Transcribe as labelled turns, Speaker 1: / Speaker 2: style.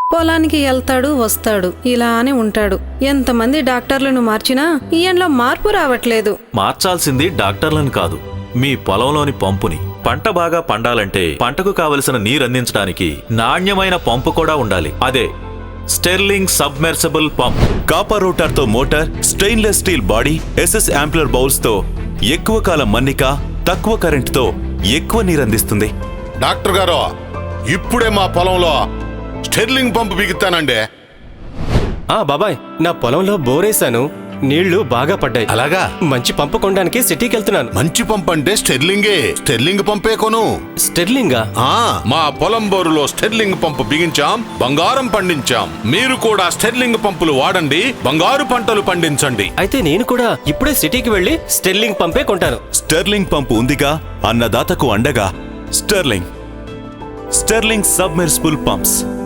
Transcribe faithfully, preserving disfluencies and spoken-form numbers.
Speaker 1: పొలానికి వెళ్తాడు వస్తాడు ఇలానే ఉంటాడు. ఎంతమంది డాక్టర్లను మార్చినా ఈయనలో మార్పు రావట్లేదు.
Speaker 2: మార్చాల్సింది డాక్టర్లను కాదు, మీ పొలంలోని పంపుని. పంట బాగా పండాలంటే పంటకు కావలసిన నీరందించడానికి నాణ్యమైన పంపు కూడా ఉండాలి. అదే Sterling submersible pump.
Speaker 3: Copper rotor తో motor, stainless steel body, SS impeller bowls తో ఎక్కువ కాలం మన్నిక, తక్కువ కరెంటుతో ఎక్కువ నీరందిస్తుంది.
Speaker 4: డాక్టర్ గారు, ఇప్పుడే మా పొలంలో స్టెర్లింగ్ పంపు బిగుతానండి.
Speaker 5: ఆ బాబాయ్, నా పొలంలో బోరేశాను, నీళ్లు బాగా పడ్డాయి.
Speaker 4: అలాగా?
Speaker 5: మంచి పంపు కొనడానికి సిటీకి వెళ్తున్నాను.
Speaker 4: మంచి పంపు అంటే స్టెర్లింగే. స్టెర్లింగ్ పంపే కొను.
Speaker 5: స్టెర్లింగా?
Speaker 4: ఆ మా పొలం బోరులో స్టెర్లింగ్ పంపు బిగించాం, బంగారం పండించాం. మీరు కూడా స్టెర్లింగ్ పంపులు వాడండి, బంగారు పంటలు పండించండి.
Speaker 5: అయితే నేను కూడా ఇప్పుడే సిటీకి వెళ్లి స్టెర్లింగ్ పంపే కొంటాను.
Speaker 3: స్టెర్లింగ్ పంపు ఉందిగా, అన్నదాతకు అండగా. Sterling Sterling submersible pumps.